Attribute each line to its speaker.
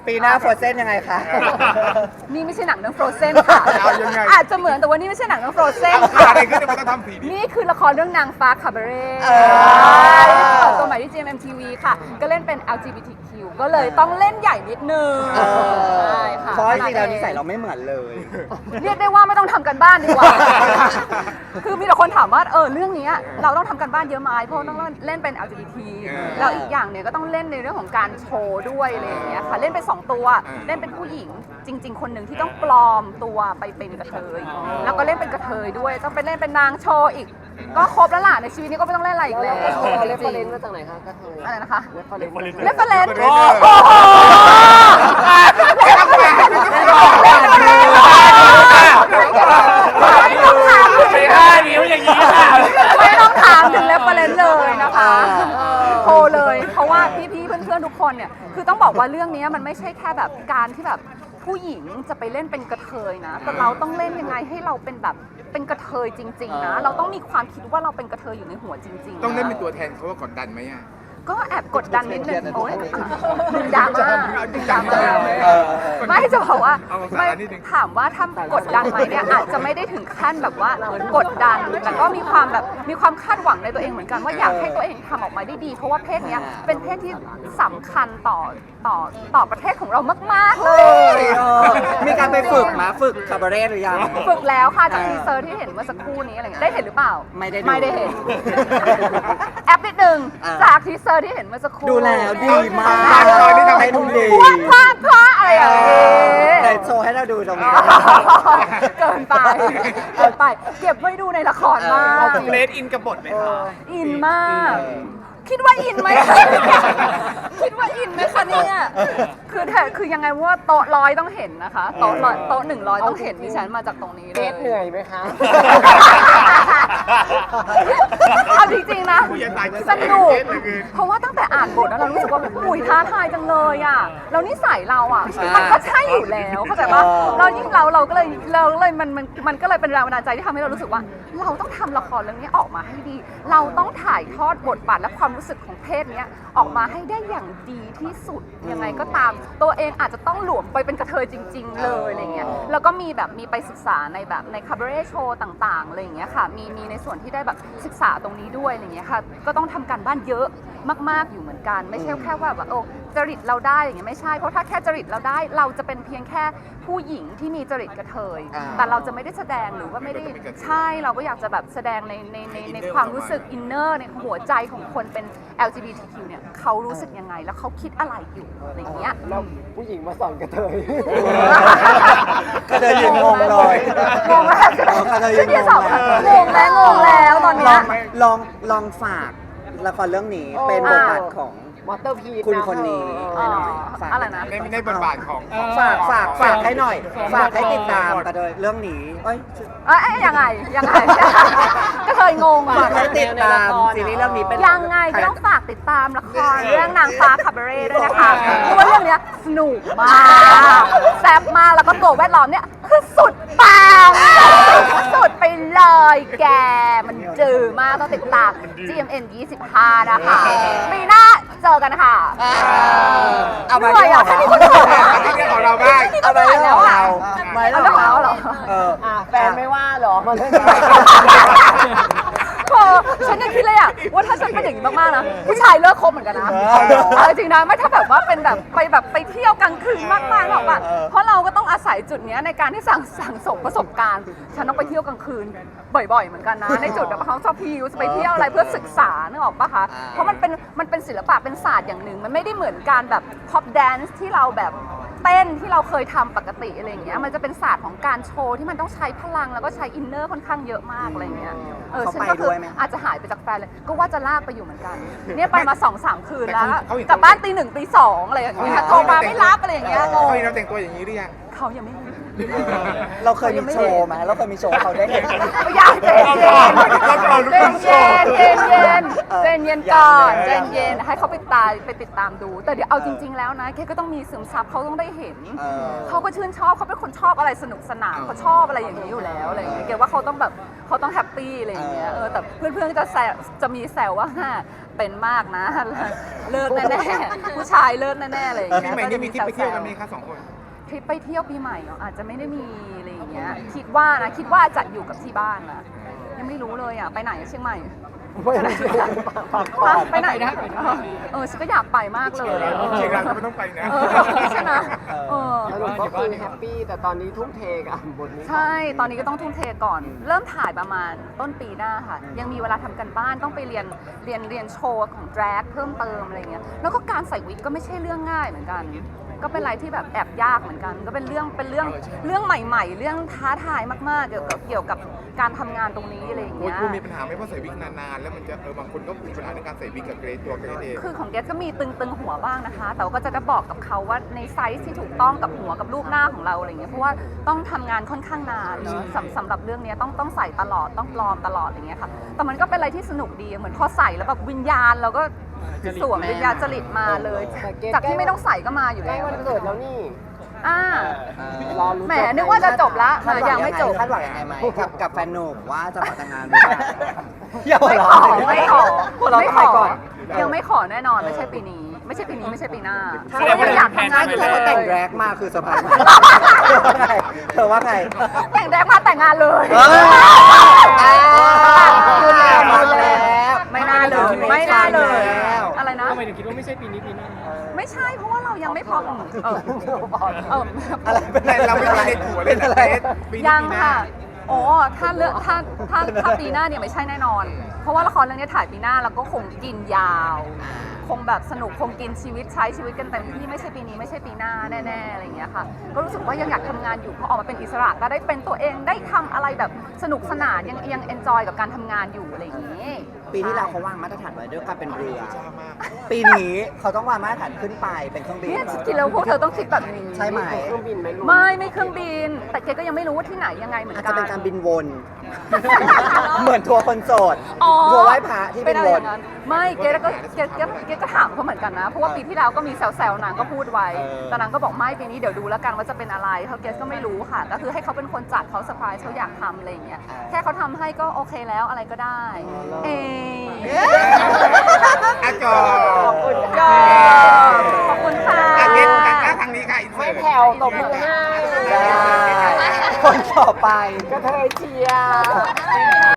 Speaker 1: ปีหน้าโฟร์เซนยังไงคะ
Speaker 2: นี่ไม่ใช่หนังเรื่อง Frozen ค่ะ
Speaker 3: เอายังไง
Speaker 2: อาจจะเหมือนแต่ว่านี่ไม่ใช่หนังเรื่อง Frozen
Speaker 3: เกิด
Speaker 2: ค่ะ
Speaker 3: อะไรขึ้นที่มันต้องทำสีนี้
Speaker 2: นี่คือละครเรื่องนางฟ้าคาบาเร่ตัวใหม่ที่ GMMTV ค่ะ ก็เล่นเป็น LGBTQ ก็เลยต้องเล่นใหญ่นิดนึงใช่ค่ะ
Speaker 1: เพราะจริงๆแล้วนิสัยเราไม่เหมือนเลย
Speaker 2: เรียกได้ว่าไม่ต้องทำกันบ้านดีกว่า คือมีแต่คนถามว่าเรื่องนี้เราต้องทำกันบ้านเยอะไหมเพราะต้องเล่นเป็น LGBT แล้วอีกอย่างเนี่ยก็ต้องเล่นในเรื่องของการโชว์ด้วยอะไรอย่างเงี้ยค่ะเล่นเป็น2ตัวเล่นเป็นผู้หญิงจริง ๆ คนหนึ่งที่ต้องปลอมตัวไปเป็นกระเทยแล้วก็เล่นเป็นกระเทยด้วยต้องไปเล่นเป็นนางโชว์อีกก็ครบแล้วล่ะในชีวิตนี้ก็ไม่ต้องเล่นอะไรอีกแล้ว
Speaker 4: เรฟเฟอเรนซ์มาจากไหนคะกระเทย
Speaker 2: อะไรนะคะ
Speaker 4: เรฟเฟอเรนซ์
Speaker 2: เล่นเป็นเลน
Speaker 3: โอ้
Speaker 2: โอ้โห
Speaker 5: ไม่ได้นิ้วอย่างนี้ค่ะ
Speaker 2: ไม่ต้องถามถึงเรฟเฟอเรนซ์เลยนะคะโทรเลยเพราะว่าพี่ๆเพื่อนๆทุกคนเนี่ยคือต้องบอกว่าเรื่องนี้มันไม่ใช่แค่แบบการที่แบบผู้หญิงจะไปเล่นเป็นกระเทยนะแต่เราต้องเล่นยังไงให้เราเป็นแบบเป็นกระเทยจริงๆนะเราต้องมีความคิดว่าเราเป็นกระเทยอยู่ในหัวจริงๆ
Speaker 3: ต้องเล่นเป็นตัวแทนเขาว่ากดดันไหมอ่ะ
Speaker 2: ก็แอบกดดันนิดนึงโอ้ยดึงดราม่าดึงดราม่าไม่จะบอกว่าไม่ถามว่าถ้ากดดันไหมเนี่ยอาจจะไม่ได้ถึงขั้นแบบว่ากดดันแต่ก็มีความแบบมีความคาดหวังในตัวเองเหมือนกันว่าอยากให้ตัวเองทำออกมาได้ดี เพราะว่าเพศเนี้ยเป็นเพศที่สำคัญต่อประเทศของเรามากๆเลย
Speaker 1: มีการไปฝึกมาฝึกคาบาเร่หรือยัง
Speaker 2: ฝึกแล้วค่ะจากทีเซอร์ที่เห็นเมื่อสักครู่นี้อะไรเงี้ยได้เห็นหรือเปล่า
Speaker 1: ไม่ได้ดู
Speaker 2: ไม่ได้เห็น แอปนิดนึงจากทีเซอร์ที่เห็นเมื่อสักครู่
Speaker 1: ดูแล้วดีมาก
Speaker 3: ตอนนี้ทำให้
Speaker 1: ดูดี
Speaker 2: พลาดอะไรอย่างเงี้ย
Speaker 1: แต่โชว์ให้เราดูตรงนี้
Speaker 2: เกินไปเก็บไว้ดูในละครมาก
Speaker 5: เลดอินกับบทไหมคะ
Speaker 2: อินมาก คิดว่าอินไหม คิดว่าอินไหมคะเนี่ยคือยังไงว่าโต๊ะร้อยต้องเห็นนะคะโต๊ะ100ต้องเห็นดิฉันมาจากตรงนี้เล
Speaker 4: เก
Speaker 2: ย
Speaker 4: ตเหนื่อยไหมคะ
Speaker 2: เอาจริงๆนะ
Speaker 3: ผู้ใหญ่ตาย
Speaker 2: สนุก
Speaker 3: เกตเหลือเกิน
Speaker 2: เพราะว่าตั้งแต่อ่านบทแล้วเรารู้สึกว่าอุ้ยท้าทายจังเลยอ่ะแล้วนิสัยเราอ่ะมันก็ใช่อยู่แล้วเข้าใจปะเรายิ่งเราก็เลยมันก็เลยเป็นแรงบันดาลใจที่ทำให้เรารู้สึกว่า เราต้องทำละครเรื่องนี้ออกมาให้ดี เราต้องถ่ายทอดบทบาทและความรู้สึกของเพศเนี้ยออกมาให้ได้อย่างดีที่สุดยังไงก็ตาม ตัวเองอาจจะต้องหลวมไปเป็นกระเทยจริง ๆ เลยอะไรเงี้ยแล้วก็มีไปศึกษาในแบบในคาบาเร่โชว์ต่างๆอะไรอย่างเงี้ยค่ะมีในส่วนที่ได้แบบศึกษาตรงนี้ด้วยอะไรเงี้ยค่ะก็ต้องทำการบ้านเยอะมากๆอยู่เหมือนกันไม่ใช่แค่ว่าแบบจริตเราได้อย่างเงี้ยไม่ใช่เพราะถ้าแค่จริตเราได้เราจะเป็นเพียงแค่ผู้หญิงที่มีจริตกระเทยแต่เราจะไม่ได้แสดงหรือว่าไม่ได้ใช่เราก็อยากจะแบบแสดงในความรู้สึกอินเนอร์ในหัวใจของคนเป็น LGBTQ เนี่ยเขารู้สึกยังไงแล้วเขาคิดอะไรอยู่อะไรอย่างเงี้ย
Speaker 4: เราผู้หญิงมาสอนกระเทย
Speaker 1: ก็เลยยืนงงเลย
Speaker 2: งงแล้ว
Speaker 1: ก็เลยยืนงงเลย
Speaker 2: งงแล้วตอนเนี้ย
Speaker 1: ลองฝากละครเรื่องนี้เป็นบทบาทของ
Speaker 4: มอเตอร์พีท
Speaker 1: คุณคนนี้ให้หน่อยฝาก
Speaker 2: อะไรนะ
Speaker 3: ในบทบาทของ
Speaker 1: ฝากให้หน่อย ฝากให้ติดตามกันเลยเรื่องนี้เอ้ย
Speaker 2: ยังไงก็เคยงง
Speaker 1: ฝากให้ติดตามซีรีส์เรื่องนี้เป็น
Speaker 2: ยังไงก็ต้องฝากติดตามละครเรื่องนางฟ้าคาบาเร่ด้วยนะคะเพราะว่าเรื่องเนี้ยสนุกมากแซ่บมากแล้วก็ตัวแวดล้อมเนี่ยคือสุดปังสุดไปเลยแกมันจืดมากต้องติดตาม GMM 25นะคะปีหน้าเจอกันค่ะ
Speaker 1: เอาไป
Speaker 2: เหนื่อยอ่ะแค่นี้ก็เหนื่อยแล้ว
Speaker 3: ที่เรื่องของเราบ้าง
Speaker 1: เอาไปเรื่องของเราไป
Speaker 2: เอา
Speaker 1: เรื่อง
Speaker 2: เรื่อง
Speaker 1: ข
Speaker 2: ข
Speaker 1: อ
Speaker 2: อง ง
Speaker 1: เรา
Speaker 2: เราเหรอ
Speaker 4: แฟนไม่ว่าเหรอมาเล่น
Speaker 2: ฉันยังคิดเลยอะว่าถ้าฉันเป็นอย่างนี้มากๆนะผู้ชายเลิกคบเหมือนกันนะเอาจริงนะไม่ถ้าแบบว่าเป็นแบบไปเที่ยวกลางคืนมากๆหรอกอะเพราะเราก็ต้องอาศัยจุดนี้ในการที่สั่งสมประสบการณ์ฉันต้องไปเที่ยวกลางคืนบ่อยๆเหมือนกันนะในจุดแบบเขาชอบพิวจะไปเที่ยวอะไรเพื่อศึกษานึกออกปะคะเพราะมันเป็นศิลปะเป็นศาสตร์อย่างหนึ่งมันไม่ได้เหมือนการแบบ pop dance ที่เราแบบเต้นที่เราเคยทำปกติอะไรอย่างเงี้ยมันจะเป็นศาสตร์ของการโชว์ที่มันต้องใช้พลังแล้วก็ใช้อินเนอร์ค่อนข้างเยอะมากอะไรอย่างเงี้ยฉันก็คืออาจจะหายไปจากแฟนเลยก็ว่าจะลากไปอยู่เหมือนกันเนี่ยไปมา 2-3 คืนแล้วกลับบ้านตี 1 ตี 2อะไรอย่างเงี้ยโทรมาไม่รับอะไรอย่างเงี้ยง
Speaker 3: เขา
Speaker 2: ง
Speaker 3: เห็นเราแต่งตัวอย่างนี้หรือยัง
Speaker 2: เขายังไม่มี
Speaker 1: เราเคยมีโชว์ไหมเราเคยมีโชว์ให้เขาได้เห็น
Speaker 2: อยากเจนเย็นเจนเย็นเจนเย็นก่อนเจนเย็นให้เขาไปติดตามดู แต่เดี๋ยวเอาจริง ๆแล้วนะแกก็ต้องมีซึมซับเขาต้องได้เห็น เขาก็ชื่นชอบเขาเป็นคนชอบอะไรสนุกสนานเขาชอบอะไรอย่างนี้อยู่แล้วอะไรอย่างเงี้ยเกว่าเขาต้องแบบเขาต้องแฮปปี้อะไรอย่างเงี้ยแต่เพื่อนๆก็จะมีแซวว่าเป็นมากนะเลิกแน่ๆผู้ชายเลิกแน่ๆอะไรอย่าง
Speaker 3: ปี
Speaker 2: เงี้ย
Speaker 3: ใหม่นี้มีทริปไปเที่ยวกันไหมคะ2 คน
Speaker 2: ทริปไปเที่ยวปีใหม่เหรออาจจะไม่ได้มีอะไรอย่างเงี้ยคิดว่าจะอยู่กับที่บ้านนะยังไม่รู้เลยอ่ะไปไหนเชียงใหม่
Speaker 4: ไม่ได้
Speaker 2: ไปไหนนะฉันก็อยากไปมากเลย
Speaker 3: เชียงรายก็ไม่ต้องไปนะ
Speaker 2: ใช่ไหม
Speaker 4: สรุปก็คือแฮปปี้แต่ตอนนี้ทุ่มเทกับบทนี้
Speaker 2: ใช่ตอนนี้ก็ต้องทุ่มเทก่อน เริ่มถ่ายประมาณต้นปีหน้าค่ะยังมีเวลาทำกันบ้านต้องไปเรียนโชว์ของแดรกเพิ่มเติมอะไรเงี้ยแล้วก็การใส่วิกก็ไม่ใช่เรื่องง่ายเหมือนกัน ก็เป็นอะไรที่แบบแอบยากเหมือนกัน ก็เป็นเรื่องใหม่ๆ เรื่องท้าทายมากๆเกี่ยวกับการทำงานตรงนี้อะไรอย่าง
Speaker 3: โอ้ย
Speaker 2: เงี้ย
Speaker 3: คุณมีปัญหาไหมเพราะใส่วิกนานๆแล้วมันจะบางคนก็มีปัญหาในการใส่วิกกับเกรดตัวเกรดเอง
Speaker 2: คือของเกสก็มีตึงหัวบ้างนะคะ แต่ว่าก็จะบอกกับเขาว่าในไซส์ที่ถูกต้องกับหัวกับรูปหน้าของเราอะไรเงี้ย เพราะว่าต้องทำงานค่อนข้างนานเนอะสำหรับเรื่องนี้ต้องใส่ตลอดต้องปลอมตลอดอะไรเงี้ยค่ะ แต่มันก็เป็นอะไรที่สนุกดีเหมือนพอใส่แล้วแบบวิญญาณเราก็สวมวิญญาณจริตมาเลย จากที่ไม่ต้องใส่ก็มาอยู่
Speaker 4: ใกล้
Speaker 2: แล้ว
Speaker 4: วันเกิดแล้วนี่
Speaker 2: รอแหมนึกว่าจะจบละ ยังไม่จบ
Speaker 1: คาดหวังยังไงไหมกับแฟนหนุ่มว่าจะขอแต่งงานหรือเปล่าอย่าหัว
Speaker 2: ไม่
Speaker 1: เราะ
Speaker 2: ขอ
Speaker 1: หัวเราะทำไมก่อน
Speaker 2: ยังไม่ขอแน่นอนไม่ใช่ปีนี้ ไม่ใช่ปีหน้า
Speaker 5: แสดงว่า
Speaker 2: อยากทำงานอยู่
Speaker 1: ถ้าเขาแต่งแร็กมาคือเซอร์ไพรส์เธอว่าไง
Speaker 2: แต่งแดกมาแต่งงานเลย
Speaker 1: พูดแล้ว
Speaker 2: ไม่น่าเลย อะไรนะ
Speaker 5: ทำไมถึงคิดว่าไม่ใช่ปีนี้ปีหน้า
Speaker 2: ไม่ใช่เพราะว่าเรายังไม่พร้อม
Speaker 1: อะไรเป็น
Speaker 3: เราไม่มีในหัวเลยนะเกรดปีนี้
Speaker 2: ยัง
Speaker 3: ปีหน้า
Speaker 2: ค่ะโอ้ถ้าปีหน้าเนี่ยไม่ใช่แน่นอน เพราะว่าละครเรื่องนี้ถ่ายปีหน้าแล้วก็คงกินยาว คงแบบสนุกคงกินชีวิตใช้ชีวิตกันเต็มที่ไม่ใช่ปีนี้ไม่ใช่ปีหน้าแน่ๆอะไรอย่างเงี้ยค่ะก็รู้สึกว่ายังอยากทำงานอยู่พอออกมาเป็นอิสระก็ได้เป็นตัวเองได้ทำอะไรแบบสนุกสนานยังเอนจอยกับการทำงานอยู่อะไรอย่างงี้
Speaker 1: ปีที่แล้วเขาวางมาตรฐานไว้ด้วยการเป็นเรือ ปีนี้เขาต้องวางมาตรฐานขึ้นไปเป็นเครื่องบิน
Speaker 2: เนี่ยคิดแล้วพวกเธอต้องคิดแบบนี้
Speaker 1: ใช่ไหม
Speaker 4: เครื่องบินไหมลูก
Speaker 2: ไม่เครื่องบิน แต่เกก็ยังไม่รู้ว่าที่ไหนยังไงเหมือน
Speaker 1: อาจ
Speaker 2: กั
Speaker 1: จะ
Speaker 2: น
Speaker 1: เป็นการบินวน เหมือนทัวร์คนโสด
Speaker 2: อ๋อ
Speaker 1: ทัวร์ไหว้พระที่บินวน
Speaker 2: ไม่เกก็ถามเขาเหมือนกันนะ เพราะว่าปีที่แล้วก็มีแซวๆนางก็พูดไว้แต่นางก็บอกไม่ปีนี้เดี๋ยวดูแล้วกันว่าจะเป็นอะไรเขาเกสก็ไม่รู้ค่ะ ก็คือให้เขาเป็นคนจัดเขาเซอร์ไพรส์เขาอยากทำอะไรอย่างเงี้ยแค่เขาทำให้ก็โอเคแล้วอะไรก็ได้เอ
Speaker 3: อาจอ
Speaker 4: ขอบคุณ
Speaker 2: ก็
Speaker 4: ค่ะ
Speaker 2: ขอบคุณค่ะ
Speaker 3: อาเกรดตัดหน้าทางนี้ค่ะอินเสิ
Speaker 4: ไม่
Speaker 3: ร์ต
Speaker 4: แผ่วตบมือให้
Speaker 1: ได้คนต่อไป
Speaker 4: กระเทยเชียร์